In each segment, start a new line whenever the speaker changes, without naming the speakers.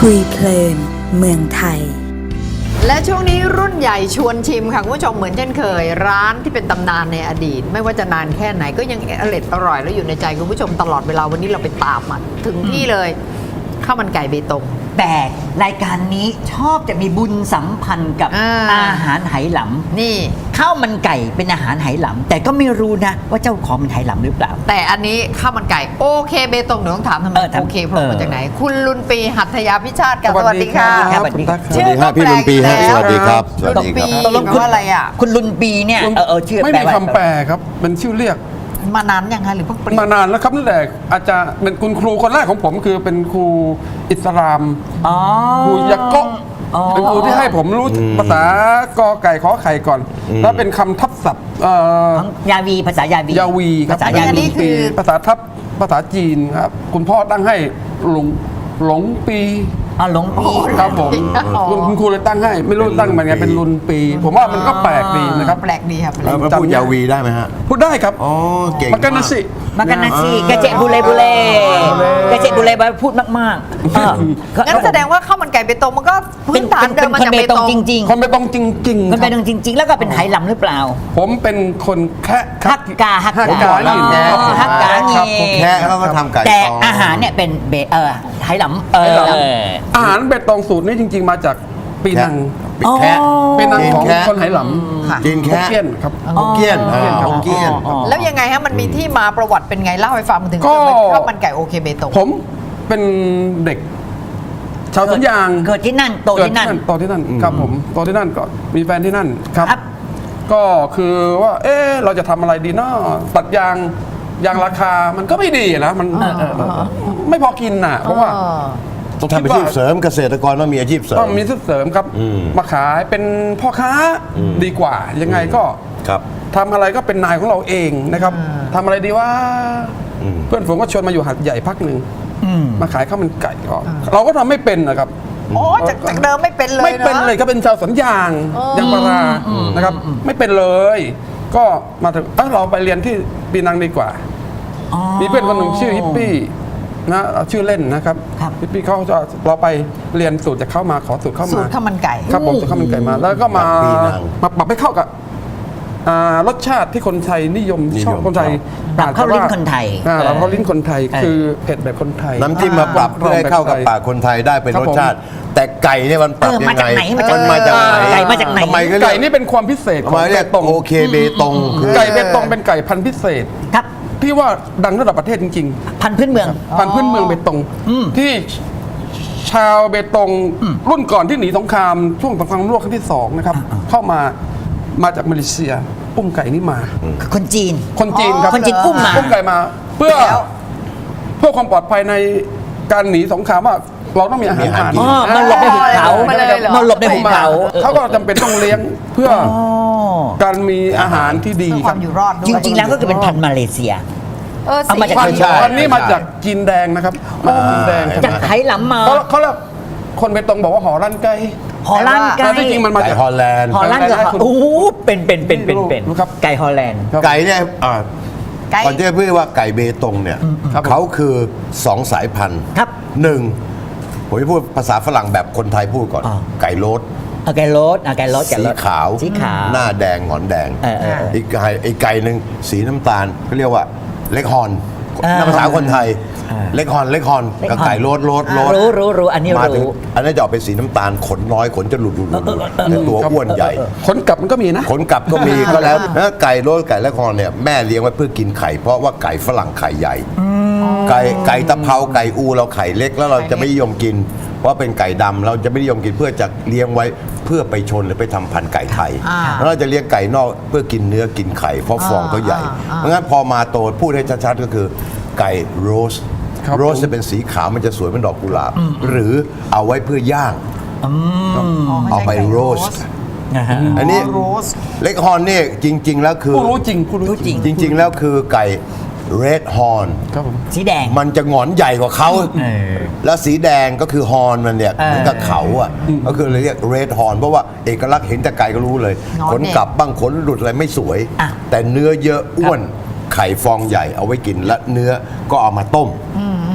คุยเพลินเมืองไทย
และช่วงนี้รุ่นใหญ่ชวนชิมค่ะคุณผู้ชมเหมือนเช่นเคย ร้านที่เป็นตำนานในอดีต ไม่ว่าจะนานแค่ไหนก็ยังอร่อยและอยู่ในใจคุณผู้ชมตลอดเวลาวันนี้เราไปตามมาถึงที่เลยข้าวมันไก่เบตง
แต่รายการนี้ชอบจะมีบุญสัมพันธ์กับอาหารไหหลำ
นี่
ข้าวมันไก่เป็นอาหารไหหลำแต่ก็ไม่รู้นะว่าเจ้าของเป็นไหหลำหรือเปล่า
แต่อันนี้ข้าวมันไก่โอเคเบตงเดี๋ยวต้องถามทำไมโอเคโผล่มาจากไหน คุณลุนปีหัตถยาพิชาติกันสวัสดีค่ะ
สวัสดีครับ
ชื่อก็
พี่ลุนปีฮะ
แปลก
สวัสดีครับ
ลุนปี
สวัสดีครับ
แปลว่าอะไรอ่ะ
คุณลุนปีเนี่ยชื่อ
ไม่
แปล
มี
ว่า
คำแปลครับเป็นชื่อเรียก
มานานยังไงหรือเพิ่งเปลี่ยน
มานานแล้วครับตั้งแต่อาจารย์เป็นคุณครูคนแรกของผมคือเป็นครูอิสลาม
อ๋อ
ครูยะโกะเป็นครูที่ให้ผมรู้ภาษากอไก่ขอไข่ก่อน แล้วเป็นคำทับศัพท์
ของยาวีภาษายาวี
ยาวีครับ
ภาษายาวี
ปีภาษาทับภาษาจีนครับคุณพ่อตั้งให้หลงปี
อ๋อหลงปี
ครับผมคุณครูเลยตั้งให้ไม่รู้ตั้งมันไงเป็นลุนปี ผมว่ามันก็แปลกดีนะครับ
แปลกดีครับ
แล้วพูดยาวีได้ไหมฮะ
พูดได้ครับ
อ๋อ เก่ง
มากันนะสิ
มากันนะสิกระเจบุเรบุเรกระเจบุเรบุเรพูดมากๆ
งั้นแสดงว่าข้าวมันไก่เบตงมันก็พื้นฐานเดิมมาจากเบตง
จริง
คนไปตรงจริง
ๆ
ๆ
คน
ค
ไป
รับ
ตรงจริง ๆ แล้วก็เป็นไหหลำหรือเปล่า
ผมเป็นคนแค่
ฮักกา
ผมบอกแล้ว
ฮักกา
ครับผม
แค่เขาก็ทำไก่
แต่
ตอง
อาหารเนี่ยเป็นไหหลำ
อาหารเบตงสูตรนี้จริง ๆ มาจากปีนัง
ปิดแค่
ปีนังของ
แค่
คนไหหล
ค่ะ
กิน
ำ
แค่
ฮกเกี้ยนครับ
ฮกเกี้ยน
ฮกเกี้ยนครับ
ฮกเกี้ยน
แล้วยังไงฮะมันมีที่มาประวัติเป็นไงเล่าให้ฟังถึง
ก็
เป็นข้าวมันไก่โอเคเบตง
ผมเป็นเด็ก ชาวสวนยาง
เกิดที่นั่นโตที่นั่น
โตที่นั่นครับผมโตที่นั่นก็มีแฟนที่นั่นครับ
ครับ
ก็คือว่าเราจะทำอะไรดีเนาะตัดยางราคามันก็ไม่ดีนะมันไม่พอกินน่ะเพราะว่า
ต้องทำอาชีพเสริมเกษตรกรต้องมีอาชีพเสริม
ต้องมีเสริมครับ มาขายเป็นพ่อค้าดีกว่า ยังไงก็
ครับ
ทำอะไรก็เป็นนายของเราเองนะครับทำอะไรดีว่า เพื่อนผมก็ชวนมาอยู่หัดใหญ่พักหนึ่งมาขายข้าวมันไก่ก็เราก็ทำไม่เป็นนะครับ
โอ้จากเดิมไม่เป็นเลย
ไม่เป็นเลยก็เป็นชาวสวนยางยางพารานะครับ ไม่เป็นเลย ก็มาถึงเราไปเรียนที่ปีนังดีกว่า มีเพื่อนคนหนึ่งชื่อฮิปปี้นะเอาชื่อเล่นนะครับ
ครับ
ฮิปปี้เขาจะเราไปเรียนสูตรจากเขามาขอสูตรเข้า
สู
มา
ตรข้าวมันไก่
ครับผมสูตรข้าวมันไก่มา แล้วก็มา
ปีนัง
ปรับให้เข้ากับรสชาติที่คนไทยนิยมชอบคนไทย
ปรับเข้าลิ้นคนไทย
ปรับเข้าลิ้นคนไทยคือเผ็ดแบบคนไทย
น้ำจิ้มมาปรับเพื่อให้เข้ากับปากคนไทยได้เป็น
ครับ
ร
ผม
สชาติ แต่ไก่เนี่ยมันปรับ
มา
ยัง
จาก
ไง
ไหนมาจาก
มันมาจากไหน
ไก่มาจากไหน
ทำไมก็เรี
ไก่
ยก
นี่เป็นความพิเศษข
ทำ
อง
ไมเรียก
เบตง
โอเคเบตงคือ
ไก่เบตงเป็นไก่พันธุ์พิเศษ
ครับ
ที่ว่าดังระดับประเทศจริง
พันธุ์พื้นเมือง
ๆ พันธุ์พื้นเมืองเบตงที่ชาวเบตงรุ่นก่อนที่หนีสงครามช่วงสงครามโลกครั้งที่สองนะครับ เข้ามาจากมาเลเซียอุ้มไก่นี่มา
คนจีน
คนจีนครับ
คนจีนอุ้มมา
ไก่มา เพื่อความปลอดภัยในการหนีสงครามว่าเราต้องมีอาหารทาน
อ๋อมันหลบในหุบเขา
มาเลยเหรอ
มันหลบในหุบเขา
เขาก็จำเป็นต้องเลี้ยงเพื่อ
อ๋อ
การมีอาหารที่ดี
เพื่อ
ค
ครับ วามอยู่รอดด้วย
จริง ๆ แล้วก็คือเป็นพันธุ์มาเลเซีย เอามาจาก
พันธุ์
ใช่
พันธุ์นี้มาจากจีนแดงนะครับมาจากจีนแดง
จากไหหลำมา
เขาเรียกคนเบตงบอกว่าหอลั่นไก่
ฮอลแลนด์ไก่
แต่ที่จริงมันมา
ไก่
จาก
ฮอลแลนด์
ฮอลแลนด์กับ
คุณ
โอ้โหเป็น
รู้ครับ
ไก่ฮอลแลนด์
ครับ
ไก่เนี่ย
ไก่
ก่อนที่จะพูดว่าไก่เบตงเนี่ย
ครับผม
เขาคือสองสายพันธุ์
ครับ
หนึ่งผมจะพูดภาษาฝรั่งแบบคนไทยพูดก่อน
อ่า
ไก่โรส
ไก่โรสไก่โรส
สีขาว
สีขาว
หน้าแดงหงอนแดง
เออ
อีกไก่หนึ่งสีน้ำตาลเขาเรียกว่าเล็กฮอน
อ่า
ภาษาคนไทย
อ่า
เล็กฮอนกับไก่โรส
รู้อันนี้
มาถึง
รู้
อันนั้นจะออกเป็นสีน้ำตาลขนน้อยขนจะหลุดแต่ตัวอ้วนใหญ่
คนกลับมันก็มีนะ
ขนกลับก็มีก็แล้วแล้วไก่โรสไก่และคอนเนี่ยแม่เลี้ยงไว้เพื่อกินไข่ เพราะว่าไก่ฝรั่งไข่ใหญ่ ไก่ตะเภาไก่อูเราไข่เล็กแล้วเราจะไม่นิยมกิน เพราะเป็นไก่ดำเราจะไม่นิยมกินเพื่อจะเลี้ยงไว้เพื่อไปชนหรือไปทำพันธุ์ไก่ไทยแล้วเราจะเลี้ยงไก่นอกเพื่อกินเนื้อกินไข่เพราะฟองเขาใหญ่เพราะงั้นพอมาโตพูดให้ชัดๆก็คือไก่โรส
ครับ
โรสจะเป็นสีขาวมันจะสวยเป็นดอกกุหลาบหรือเอาไว้เพื่อย่างเอาไปโรส
นะฮะ
อันนี้
โรส
เล็กฮอนนี่จริง ๆ แล้วคือ
ผู้รู้จริงผู้รู้จริง
จริง ๆ แล้วคือไก่เรดฮอน
ครับผม
สีแดง
มันจะหงอนใหญ่กว่าเขา
เออ
แล้วสีแดงก็คือฮอนมันเนี่ย
เออ
เหมือนกับเขาอ่ะก็คือเลยเรียกเรดฮอนเพราะว่าเอกลักษณ์เห็นแต่ไกลก็รู้เลย
งอน
ขนกลับบ้างขนหลุดอะไรไม่สวย
อ่ะ
แต่เนื้อเยอะอ้วนไข่ฟองใหญ่เอาไว้กินและเนื้อก็เอามาต้ม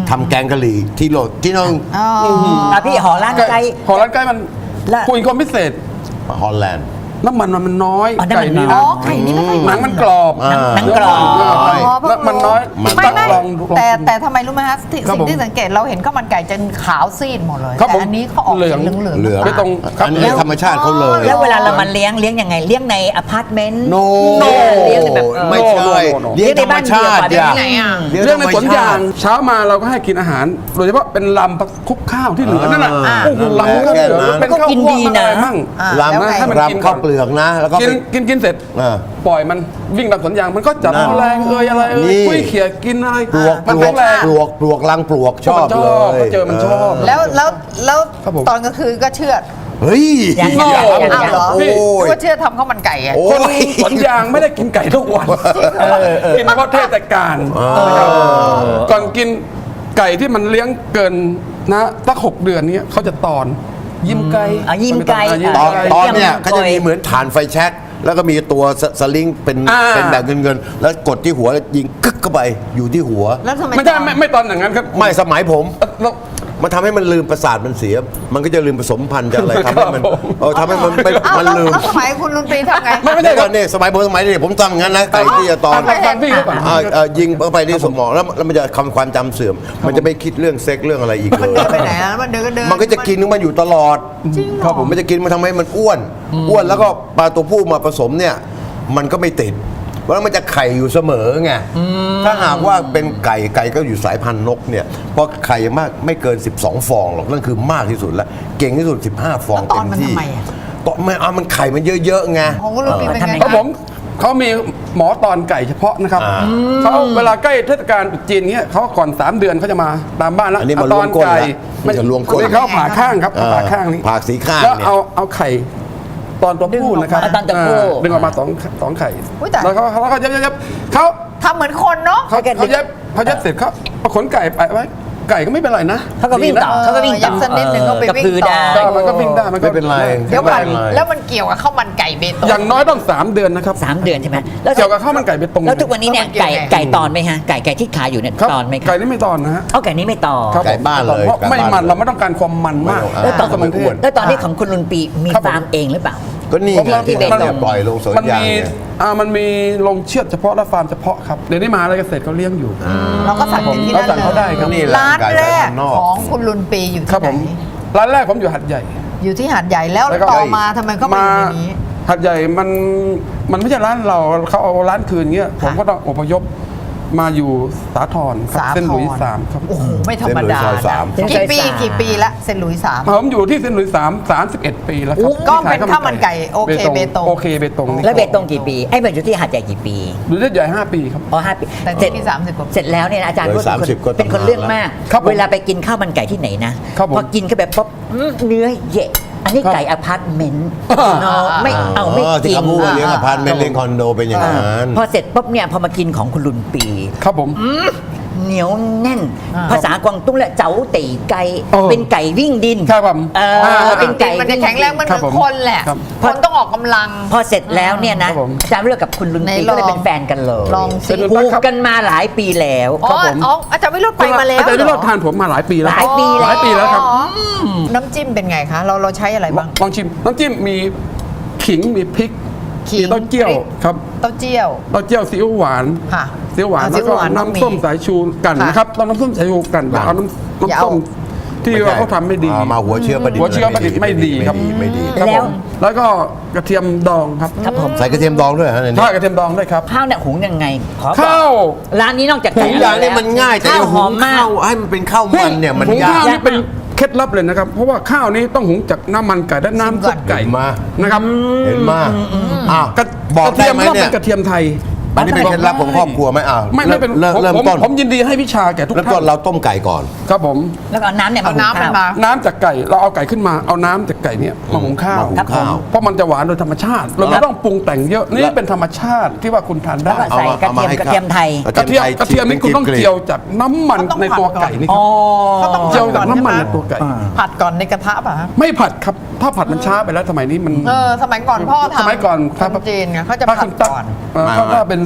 ทำแกงกะหรี่ที่โลที่น้อง
พี่หอร้านไก่
หอร้านไก่มัน
และ
คุยความพิเศษ
ฮอลแลนด์
น้ำมันมันน้อย
อ๋อน้ำมัน
ไก่นี่
น้
นะ
อย
ไข่นี่ไม่ค่อย
หนังมันกรอบ
หนังกรอบ
แล้วมันน้อย
ไม่ไม่
ลองดู
แต่ทำไมรู้ไหมฮะที่
ครับ
สิ่งที่
ผม
สังเกตเราเห็นข้าวมันไก่จะขาวซีดหมดเลย
ครับ
แต่
ผม
อันนี้เขาออก
เหลือง
เหลือง
เหลือง
ไม่ตรงครับ
อันนี้ธรรมชาติเขาเลย
แล้วเวลาเรามาเลี้ยงยังไงเลี้ยงในอพาร์ตเมนต์
โน
เลี้ยงในแบบ
ไม่ใช่
โน่
เลี้ยงธรรมชาติ
เลี้ยงในบ้านเดี่ยว
ไหนอ่ะ
เรื่องในสวนยางเช้ามาเราก็ให้กินอาหาร โดยเฉพาะเป็นลำคลุกข้าวที่เหลือนั่นน่ะ
อ่า
โอ้โหลำก็เหลือ
นั่นแหละ
เป็นข้าว
ก็กิน
คั่ว
ดีนะ
อะไรมั่ง
ลำ
แล้วไง
ให้มันกิน
ลำข้าวเปลือกนะ แล้วก็
กินเสร็จ
อ่า
ปล่อยมันวิ่งตามสวนยางมันก็จับ
นั่น
แมลงอะไร
นี่
คุยเขี่ยกินอะไร
ปลวก
มัน
ปลว
แข็
ก
งแรง
ปลวกปลวกลังปลวกชอบ
มันช
เล
อบ
ย
ก็เจอมันชอบ
แล้ว
ครับผม
ตอนกลางคืนก็เชือด
เฮ้ย
ยัง
โง่
อ้าวเหรอ
โอ้ย
นึกว่าเชือดทำข้าวมันไก่อะ
โอ้
คน
ย
สวนยางไม่ได้กินไก่ทุกวันกินเฉพาะเทศกาลนะครับก่อนกินไก่ที่มันเลี้ยงเกินนะตั้ง6 เดือนเนี้ยเขาจะตอนยิ้มไก่
ยิ้มไก่
ตอน
ไก่
เนี่ย
เยี่ยม
เขาจะมีเหมือนฐานไฟแช็กแล้วก็มีตัวสลิงเป็น
อ่า
เป็นแบบเงินๆแล้วกดที่หัวแล้วยิงกึกเข้าไปอยู่ที่หัว
แล้วทำไม
ไม่ใช่
ตอน
ไม่ตอนอย่างนั้นครับ
ไม่สมัยผม
แล้ว
มันทำให้มันลืมประสาทมันเสีย มันก็จะลืมผสมพันธุ์จะอะไรทำให้มัน
ครับผม
ทำให้มันไป
อ้าว
มัน
แล้ว
ลืม
แล้วสมัยคุณลุนปีทำไง
ไม่ใช่
เดี๋ยวก่อนนี่สมัยผมสมัยนี้ผมทำอย่างนั้นนะไก่ที่จะตอน
ฟังพี่เขาก่อน
ยิงเข้าไปที่สมองแล้วมันจะความจำเสื่อม มันจะไม่คิดเรื่องเซ็กเรื่องอะไรอีกเล
มัน
ย
เดินไปไหนอะมันเดินก็เดิน
มันก็จะกินของมันอยู่ตลอด
จริงเหรอ
ครับผมมันจะกินมันทำให้มันอ้วนแล้วก็ปลาตัวผู้มาผสมเนี่ย มันก็ไม่ติดเพราะมันจะไข่อยู่เสมอไงถ้าหากว่าเป็นไก่ก็อยู่สายพันธุ์นกเนี่ยเพราะไข่มากไม่เกิน 12 ฟองหรอกนั่นคือมากที่สุดแล้วเก่งที่สุด 15 ฟอง
แล้วตอน
เต็ม
มัน
ที่
ทำไมอะ
ตอนมันไข่มันเยอะๆไง
ของคุณลุนปีเป็นไง
ครับผมเขามีหมอตอนไก่เฉพาะนะครับเขาเวลาใกล้เทศกาลตรุษจีนเงี้ยเขาก่อน 3 เดือนเขาจะมาตามบ้านแล้ว
อันนี้มัน
เาตอน
ล้วงก้น
ไก่
ละมันจะล้วงก้น
ไม่เขาผ่าข้างครับผ่าข้างนี้
ผ่าสีข้าง
แล้ว
เนี่ย
เอาไข่ตอนตัวผู้นะครับ
เอาตอนตัวผู้
ดึงออกมาสองไข่
อุ๊ยตาย
แล้วเขาเย็บเขา
ทำเหมือนคนเนาะ
เขาเย็บเสร็จเขาเอาขนไก่ไปไว้ไก่ก็ไม่เป็นไรนะ
เขาก็วิ่งต่อ
ดีนะ
เขาก็วิ่งต่อ
ยับสักนิดหนึ่งก็ไป
กระ
วิ่ง
พือ
ต่อ
ได้
ก็มันก็วิ่งได้มันก็
ไม่เป็นไร
เดี๋ยวก่อน
ไม่เป็นไร
แล้วมันเกี่ยวกับข้าวมันไก่เบตง
อย่างน้อยต้อง 3 เดือนนะครับ
3 เดือนใช่ไหมแล้ว
เกี่ยวกับข้าวมันไก่เบตง
แล้วทุกวันนี้เนี่ย
แล้วมันเกี่ยวไง
ไก่ตอนไหมฮะไก่ที่ขายอยู่เนี่ย
ครับ
ตอนไหมครั
ไก่
บ
นี่ไม่ตอนนะฮะ
เอาไก่นี้ไม่ตอน
ครับ
ไก่บ้านเลย
เพราะ
ไก่บ้าน
ไม่มัน
เลย
เราไม่ต้องการความมันมาก
ไม่ต้อง
สมันเทศ
แล้วตอนนี้ของคุณลุนปีมี
ครับผม
ฟาร์มเองหรือเปล่า
ก็นี่ไง
ที่
ที่
เบตง
เนี่ยปล่อยลงสวน
มัน
ยาง
มี
เนี่ย
มันมีโรงเชือดเฉพาะและฟาร์มเฉพาะครับเดี๋ยวนี้มหาอะไรเกษตรเขาเลี้ยงอยู่
เราก็สั่งจากที่นั่น
เราสั่งเขาได้ครับ
เลย
นี่แหละ
ร้าน
ไก่
แรก
สายพันธุ์นอก
ของคุณลุนปีอยู่
ครับ
ที่
ผ
ไห
ม
น
ร้านแรกผมอยู่หัดใหญ่
อยู่ที่หาดใหญ่แล้ว
แล้วก็
ต่อมาทำไมก็มาอยู่ในนี้
หัดใหญ่มันไม่ใช่ร้านเราเขาเอาร้านคืนเงี้ยผมก็ต้องอพยพมาอยู่สาทรครับ
สาธร
เส้นหลุยส์สามครับ
โอ้โหไม่ธรรมดา
เส้นหลุยส์ซอยสาม
นะกี่ปีละเซนหลุยส์สาม
ผมอยู่ที่เส้นหลุยส์31 ปีแล้วครับ
ก็เป็นข้าวมันไก่โอเคเบตง
โอเคเบตงนี่
แล้วเบตงกี่ปีไอ้เบตอยู่ที่หาดใหญ่กี่ปี
อยู่ที่ใหญ่5 ปีครับ
อ๋อ5 ปี
แต่
เสร็จ
ที่30 กว่าปี
เสร็จแล้วเนี่ยนะอาจารย์
เลย
พูด
30ก็
เป็นคนเรื่องมาก
ครับผม
เวลาไปกินข้าวมันไก่ที่ไหนนะครับ
ผม
พอกินเข้าไปปุ๊บเนื้อเยะอันนี้
ครับ
ไก่อพาร์ตเมนต์เนาะไม่เอาไม่
ที่
กิน
เขาพูดว่าเลี้ยงอพาร์ตเมนต์เลี้ยงคอนโดเป็นอย่างนั้น
พอเสร็จปุ๊บเนี่ยพอมากินของคุณลุนปี
ครับผม
เหนียวแน่น
อ่า
ภาษากวางตุ้งและเจ๋าตีไก่
เออ
เป็นไก่วิ่งดิน
ครับผม
เป็นไก่
มันจะแข็งแรงมันเห
ครั
มื
บ
อน
ผม
คนแหละ
ครับ
คนต้องออกกำลัง
พอเสร็จแล้วเนี่ยนะครับ
ผม
อาจารย์เลือกกับคุณลุน
ไหน
ปี
ลอง
ก็เลยเป็นแฟนกันเลย
ลองสิ
ผูกกันมาหลายปีแล้ว
อ๋อ
ผม
อ๋ออาจารย์วิโรจน์ไปมาแล้ว
อาจารย์วิโรจน์
เหอ
ทานผมมาหลายปีแล้ว
หลายปีแล้ว
หลายปีแล้วครับ
อ๋อน้ำจิ้มเป็นไงคะ เราใช้อะไรบ้าง
ลองชิมน้ำจิ้มมีขิงมีพริก
ขิง
มีเต้าเจี้ยว
พริก
ครับ
เต้าเจี้ยว
เต้าเจี้ยวซีอิ๊วหวาน
ค่ะ
ซีอิ๊วหวาน
อ่า
แล้วก็
ซีอิ๊วหวานต้องมี
น้ำส้มสายชูกัน
ค่ะ
นะครับต้องน้ำส้มสายชูกันอย่าเอาน้ำ
อย่าเอา
ส้มที่ว่าเขาทำไม่ดี
มาหัวเชื้อประดิษฐ์
หัวเชื้อประดิษฐ์ไม่ดีครับ
ไม่ดี
ครับ
แล้ว
ผมแล้วก็กระเทียมดองครับ
ครับผม
ใส่กระเทียมดองด้วยฮะในนี้
ถ้ากระเทียมดองด้วยครับ
ข้าวเนี่ยหุงยังไงขอบอก
ข้าว
ร้านนี้นอกจาก
หุงอย่างนี้มันง่ายแต่
ข้าวหอมมาก
ข้าวให้มันเป็นข้าวมันเนี่ยมัน
หุง
ยา
ข้าก วนี่เป็นเคล็ดลับเลยนะครับ เพราะว่าข้าวนี้ต้องหุงจากน้ำมันไก่และน้ำซุปไก่
เห็นมา
นะครับ
เห็นมาอ้าว
กระ
บอกได้ไหม
กระเทียมต้อง
เนี่
เป็
ย
นกระเทียมไทย
อันนี้เป็นเคล็ดลับของครอบครัวไหมอ้าว
ไม่เป็น
เริ่ม
ผม
ต้น
ผมยินดีให้วิชาแก่ทุก
เริ่มต้
ท่าน น
เราต้มไก่ก่อน
ครับผม
แล้วก็เอาน้ำเนี่ยมา
เอา
หุง
น้ำมัน
ข้าว
มา
น้ำจากไก่เราเอาไก่ขึ้นมาเอาน้ำจากไก่เนี่ยมาหุงข้าว
มาหุงข้าว
เพราะมันจะหวานโดยธรรมชาติ เราไม่ต้องปรุงแต่งเยอะนี่เป็นธรรมชาติที่ว่าคุณทานได้
แล้วก็ใส่กระเทียม
ให้
กระเทียมไทย
กระเทียมนี่คุณต้องเจียวจากน้ำมันในตัวไก่นี่ครับ
เขาต้อง
เจียวจาก
ผัดก่อน
น้ำมัน
ใช่
ใน
ไหม
ตัวไก่
ผัดก่อนในกระทะป่ะฮะ
ไม่ผัดครับถ้าผัดมันช้าไปแล้วสมัยนี้มัน
สมัยก่อนพ่อทำ
สมัยก่อนครับ
คนจีนไงเขาจะ
ถ้
ผัด
คุณตั๊
ก่อน
ถ้าเป็น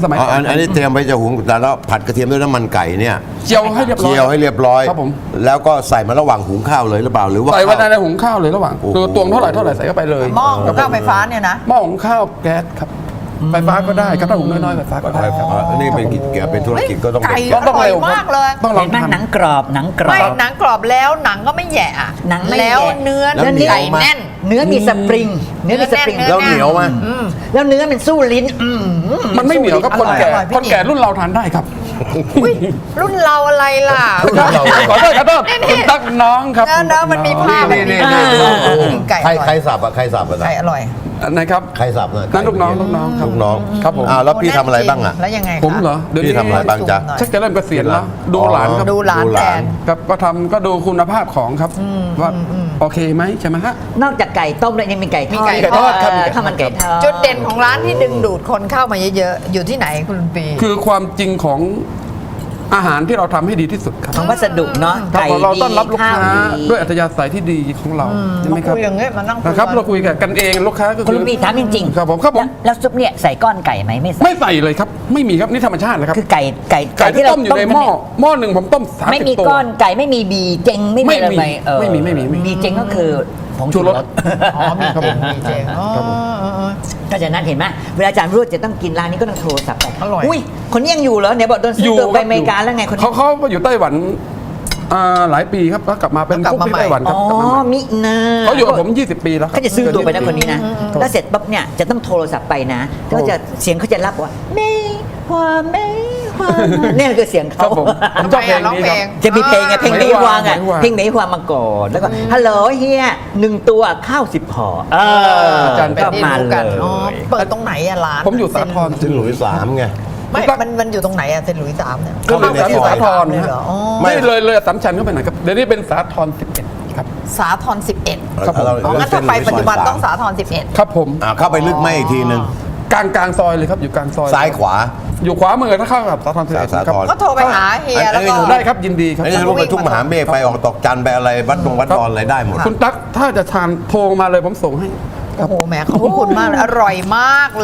สมัย
อันนี้เตรียมไว้จะหุงแต่แล้วผัดกระเทียมด้วยน้ำมันไก่เนี่ย
เจียวให้เรียบร้อย
เจียวให้เรียบร้อย
ครับผม
แล้วก็ใส่มาระหว่างหุงข้าวเลยหรือเปล่าหรือว่า
ใส่ไว้
ข้าว
ในหุงข้าวเลยระหว่าง
โอ้โห
คือตวงเท่าไหร่ใส่เข้าไปเลย
หม้อหุงข้าวไฟฟ้าเนี่ยนะ
หม้อหุงข้าวแก๊สครับไฟฟ้าก็ได้ครับถ้าหุงน้อยๆไฟฟ้าก็ได้ครับ
อันนี้เป็นกิจเป็นธุรกิจก็ต้อง
ไก่
เป็น
ต้องเร็ว
อร่อยมากเลย
ต้องลอง
เห็นไหม
ทำ
หนังกรอบหนังกรอ
ไม่
บ
หนังกรอบแล้วหนังก็ไม่แหยะอะ
หนังไม่
แล้ว
แหยะ
เนื้อ
แล้วเหนียว
ไก่
มาก
แน่น
เนื้อมีสปริง เนื้อมีสปริง
เนื้
แล้วเหนียวไหม
แล้วเนื้อมันสู้ลิ้น
มันไม่เหนียวครับคนแก่
อร่อยพี่
คนแก่รุ่นเราทานได้ครับ
อุ๊ยรุ่นเราอะไรล่ะ
ขอโทษครับคุณตั๊กน้องครับ
เนอะมันมีภาพแบบนี้
นี่
ไก่อ
ใคร
ร่อย
สับอะใครสับอะ
ไก่อร่อย
นะครับ
ใครสับน่ะ
นั่นลูกน้องครับ
ลูกน้อง
ครับผม
แล้วพี่ทำอะไรบ้างอะ
แล้วยังไงคะ
ผมเหรอเดี๋ยว
พี่
นี้
ทำอะไรบ้างจ๊ะ
ชักจะเริ่มเกษียณแล้วดูหลานครับ
ดูหลานแทน
ครับก็ทำก็ดูคุณภาพของครับว่าโอเคไหมใช่ไหมฮะ
นอกจากไก่ต้มแล้วยังมีไก่ทอด
มีไก่ทอด
ครับ
ข้าวมันไก่ทอด
จุดเด่นของร้านที่ดึงดูดคนเข้ามาเยอะๆ อยู่ที่ไหนคุณปี
คือความจริงของอาหารที่เราทำให้ดีที่สุดครับ
ของวัสดุเนาะ
ครับ
ไก่
เรา
ดี
ต้อนรับลูก
ข้าว
ค้า
ดี
ด้วยอัธยาศัยที่ดีของเราใช่ไหม
มา
ครับ
คุยอย่างเงี้ยมานั่งคุย
นะครับเราคุยกันเองลูกค้าก็
คุณ
คือ
ลุงปีถามจริงๆ
ครับผมครับผม
แล้วซุปเนี่ยใส่ก้อนไก่ไหมไม่ใส่
ไม่ใส่เลยครับไม่มีครับนี่ธรรมชาตินะครับ
คือไก่
ไก่ที่ต้มอยู่ในหม้อหนึ่งผมต้ม30
ไม่มี
ตัว
ก้อนไก่ไม่มีบีเจงไม่มีอะไร
ไม่มี
เออ
ไม่มี
บีเจงก็คือผง
ชู
ชู
ร
ร
ส
ส
อ๋อมี
ครับผม
มีเจงอ๋อ
ครับผม
ก็จากนั้นเห็นไหมเวลาอาจารย์รูดจะต้องกินร้านนี้ก็ต้องโทรศัพท์ไป
อร่อย
อุ้ยคนนี้ยังอยู่เหรอเนี่ยบอกโดนซื้อตัวไปอเมริกาแล้วไงคนนี้
เขาอยู่ไต้หวันหลายปีครับแล้วกลับมาเป็น
แล้วกลั
กุ๊
บ
ก
มา
ที่
ใหม่
ไต้หวันค
อ๋
รับ
อก
ลับมาใหม่
มินา
เขาอยู่กับผม 20 ปีแล้วครับ
เขาจะซื้อตัวไปนะคนนี้นะ แล้วเสร็จปั๊บเนี่ยจะต้องโทรศัพท์ไปนะก็จะเสียงเขาจะรับว่าเมย์ฮวาเมย์ฮวาเนี่ยคือเสียง
ครั
เขา
บผมผมชอบเพลงนี้ครับ
จะมีเพลงไงเพลงเมย์ฮวางอ่ะ
เมย์ฮวาง
เพลงเมย์ฮวางมาก่อนแล้วก็ฮัลโหลเฮีย1 ตัวข้าว10 ห่ออาจารย์
เป็น
ก็
ที่
มา
รู้
เล
กัน
ย
อ๋อเปิดตรงไหนอะร้าน
ผมอยู่สาทร
ซึ่งหลุยส์3ไง
ไม่มันอยู่ตรงไหนอะเซนต์หลุยส์3เนี่ย
ก็เลยสาทร
เลย
ฮะ
เหรออ๋อ
ไม่เลยสัมชันเข้าไปหน่อยครับเดี๋ยวนี้เป็นสาทร11ครับ
สาทร11
ครับผม
อ๋องั้นถ้าไปปัจจุบันต้องสาทร11
ครับผม
เข้าไปลึกไม่อีกทีนึง
กลางซอยเลยครับอยู่กลางซอย
ซ้ายขวา
อยู่ขวามือถ้าเข้ากับสาทร11
สา
ครับ
ธร
ก็โทรไปหาเฮียแล้วก็
ได้ครับยินดีครับ
ไอ้นี่รู้ไปทุ่งมหาเมฆไปออกตอกจันไปอะไรวัดดงวัดดอนอะไรได้หมด
คุณตั๊กถ้าจะทานโทรมาเลยผมส่งให้
โอ้โหแหมขอบคุณมากเลยอร่อยมากเลย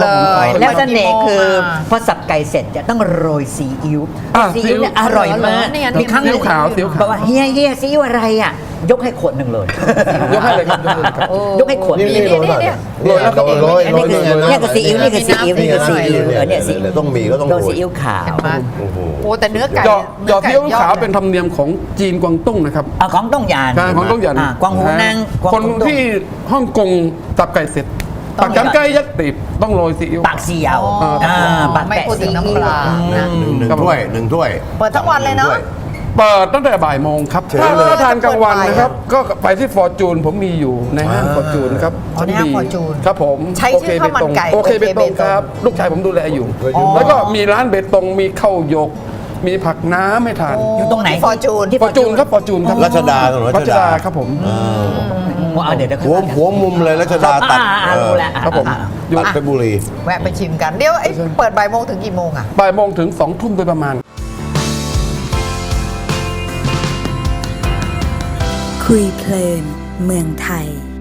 แล้วเสน่ห์คือพอสับไก่เสร็จจะต้องโรยซีอิ๊ว
อ่ะ
ซีอิ๊วเนี่ยอร่อยมาก
ซีอิ๊วขาวซีอิ๊วขาว
บอกว่าเฮียซีอิ๊วอะไรอ่ะ ยกให้ขวดหนึ่งเลย
ยกให้เลยครับยกให้เลยครับ
ยกให้ขวด
นี่
หนึ่ง
โรยหน่อย
เนี่ย
โรยแล้วก็โรย
อันนี้คือเนี่ยคือซีอิ๊วนี่คือซีอิ๊วนี่คือซีอิ๊วเนี่ยซีอิ๊ว
ต้องมีก็ต้อง
โร
โร
ย
ย
ซีอิ๊วขาว
เห็นไหม
โอ้โห
โอ้แต่เนื้อไก่
หยอดซีอิ๊วขาวเป็นธรรมเนียมของจีนกวางตุ้งนะครับ
เอาของต้องยาน
ใช่ของต้องหยัน
กวางหูนางกวาง
คน
หูตุ้ง
ที่ฮ่องกงตับไก่เสร็จ
ต้
ปั
อง
กจันไก่ยักษ์ติบต้องโรยซีอิ๊ว
ปากเสียว
อ๋ออ่
ปาก
ไม่
แปะ
พูดถึงน้ำปลานะ
หนึ่งถ้วยหนึ่งถ้วย
เปิดทั้งวันเลยเนอะ
เปิดตั้งแต่บ่ายโมงครับ
เชิญเลย
ถ้าทานกลางวันนะครับ ก็ไปที่ฟอร์จูนผมมีอยู่ในห้างฟอร์จูนครับ
อ๋อในห้าง Fortune
ครับผม
ใช้ชื่อข้าวมันไก่
โอเคเบตง
โอเคเบตง
ครับ ลูกชายผมดูแลอยู่
อ๋อ
แล้วก็มีร้านเบตงมีข้าวหยก มีผักน้ำให้ทาน
อยู่ตรงไหน
ที่ Fortune
ที่
ฟอร์จูนครับฟอร์จูนครับ
รัชดาถนนรั
รั
ช
ช
ดา
ดาครับผม
เดี๋ยว
หัวมุมเลยรัชดาตัด
รู้แล้ว
ครับผม
ตัดเพชรบุรี
แวะไปชิมกัน เดี๋ยวไอ้เปิดบ่ายโมงถึงกี่โมงอะ
บ่ายโมงถึง2 ทุ่มโดยประมาณ
คุยเพลินเมืองไทย